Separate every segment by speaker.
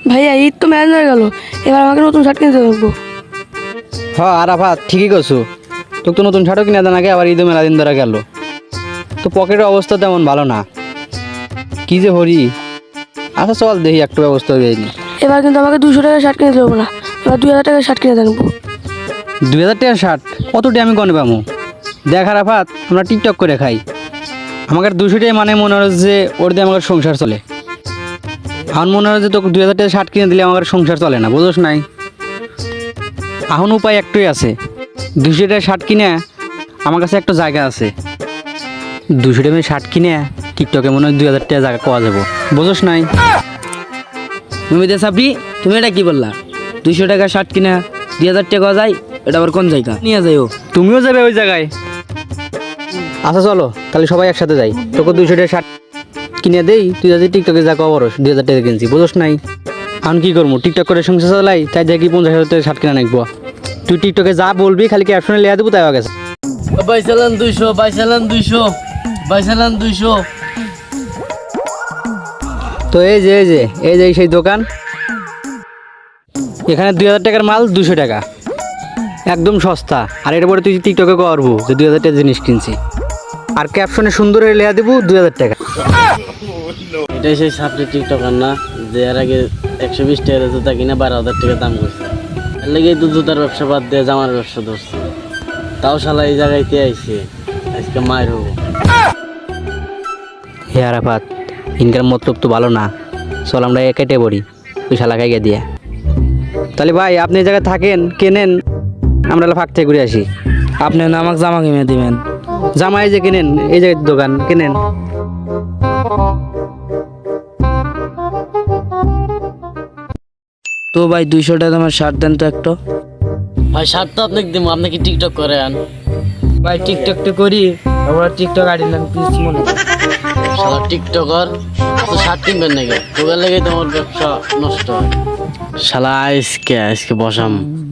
Speaker 1: ভাইয়া ঈদ তো ম্যানেজ হয়ে গেল, এবার আমাকে নতুন শার্ট কিনতে দেবো।
Speaker 2: হ্যাঁ আরাফাত ঠিকই করছো, তোকে তো নতুন শার্টও কিনে দেন আগে, আবার ঈদও মেলা দিন ধরে গেল, তো পকেটের অবস্থা তেমন ভালো না, কি যে হরি। আচ্ছা চল দেখি একটু ব্যবস্থা হয়ে যায়নি।
Speaker 1: এবার কিন্তু আমাকে 200 টাকার শার্ট কিনে দেবো না, এবার 2000 টাকার শার্ট কিনে দেবো।
Speaker 2: 2000 টাকার শার্ট অতটি আমি কনে পাবো? দেখ আরাফাত, আমরা টিকটক করে খাই, আমাকে 200 টাকা মানে মনে হচ্ছে যে ওর দিয়ে আমার সংসার চলে। এখন মনে হয় যে তোকে 2000 টাকা শার্ট কিনে দিলে আমার সংসার চলে না, বুঝোস নাই? এখন উপায় একটাই আছে, 200 টাকা শার্ট কিনে আমার কাছে একটা জায়গা আছে, 200 টাকা শার্ট কিনে টিকটকে মনে হয় 2000 টাকা জায়গা পাওয়া যাবো, বুঝোস নাই?
Speaker 3: তুমি দে সাবরি, তুমি এটা কি বললা? 200 টাকা শার্ট কিনা 2000 টাকা যায়, এটা আবার কোন জায়গা নিয়ে যাইও?
Speaker 2: তুমিও যাবে ওই জায়গায়? আচ্ছা চলো তাহলে সবাই একসাথে যাই, তোকে 200 টাকা শার্ট কিনে দেই, তুই যদি টিকটকে যা কবরস 2000 টাকা কিনছি, বুঝোস নাই? এখন কি করবো, টিকটক করে সংসার চালাই, তাই দেখি 50,000 টাকা শার্ট কিনে নাকবো। তুই টিকটকে যা বলবি খালি ক্যাপশনে লেয়া দেবো, তাই হয়ে গেছে।
Speaker 3: বাইসালান 200, বাইসালান 200, বাইসালান 200।
Speaker 2: তো এই যে সেই দোকান, এখানে 2000 টাকার মাল 200 টাকা, একদম সস্তা। আর এর পরে তুই টিকটকে করবো যে 2000 টাকা জিনিস কিনছি, আর ক্যাপশনে সুন্দর করে লেয়া দেবো 2000 টাকা।
Speaker 3: এটাই সেই সাবরি টিকটকার না, যে এর আগে 120 টাকা জুতা কিনে 12,000 টাকা দাম করছে। এর লেগে তো জুতার ব্যবসা বাদ দিয়ে জামার ব্যবসা ধরছে, তাও শালা এই জায়গায়তে আইছে, আজকে মায়ের হবো।
Speaker 2: হে আরাফাত, ইনকাম মতলব তো ভালো না, চল আমরা কেটে পড়ি ওই শালা খাইয়ে দিয়ে। তাহলে ভাই আপনি এই জায়গায় থাকেন, কেনেন, আমরা ফাঁক থেকে ঘুরে আসি।
Speaker 3: আপনি না আমাকে জামা কিনে দিবেন?
Speaker 2: জামা এই যে কেনেন, এই জায়গায় দোকান কেনেন।
Speaker 3: তো ভাই 200 টাকা আমার শার্ট দেন তো একটা। ভাই শার্ট তো আপনাকে দিব, আপনি কি টিকটক করেন? ভাই টিকটক তো করি, আমরা টিকটক আইডি নাম প্লিজ মনে শালা টিকটকার তো শার্ট কিনবেন নাকি? তোদের লেগে তোমার ব্যবসা নষ্ট হয় শালা। আজকে বসাম।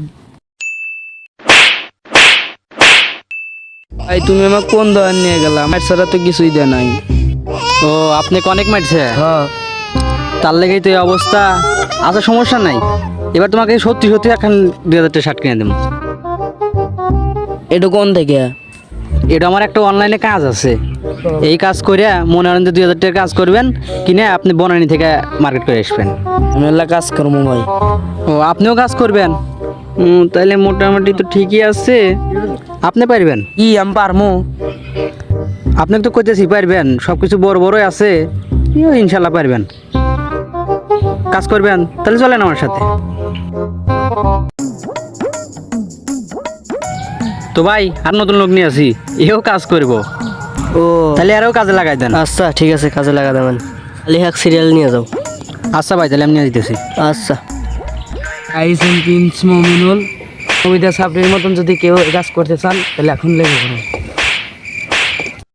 Speaker 3: ভাই তুমি আমার কোন দোকান নিয়ে গেলা? আমার ছাড়া তো কিছুই দেয় নাই।
Speaker 2: ও আপনি অনেক মারছে,
Speaker 3: হ্যাঁ
Speaker 2: তার লেগেই তো এই অবস্থা। আচ্ছা সমস্যা নাই, এবার তোমাকে সত্যি সত্যি এখন 2000 টাকা শার্ট কিনে দেবো।
Speaker 3: এটা কোন থেকে?
Speaker 2: এটা আমার একটা অনলাইনে কাজ আছে, এই কাজ করে মনে করেন যে 2000 টাকার কাজ করবেন, কিনে আপনি বনানী থেকে মার্কেট করে আসবেন।
Speaker 3: আমি এলা কাজ করবো ভাই।
Speaker 2: ও আপনিও কাজ করবেন? তাহলে মোটামুটি তো ঠিকই আছে, আপনি পারবেন।
Speaker 3: কি আমি পারমু?
Speaker 2: আপনি তো করতেছি পারবেন, সব কিছু বড় বড়ই আছে, ইনশাল্লাহ পারবেন। কাজ করবেন তাহলে চলেন আমার সাথে। তো ভাই আর নতুন লোক নিয়ে আসি, এও কাজ করব।
Speaker 3: ও
Speaker 2: তাহলে আরও কাজে লাগাই দেন।
Speaker 3: আচ্ছা ঠিক আছে, কাজে লাগা দেবেন। লেহাক সিরিয়াল নিয়ে যাও।
Speaker 2: আচ্ছা ভাই তাহলে আমি নিয়ে দিতেছি।
Speaker 3: আচ্ছা আইসেন প্রিন্স মমিনুল, কবিতা সাবরির মতন যদি কেউ কাজ করতে চান তাহলে এখন লেগে পড়ুন।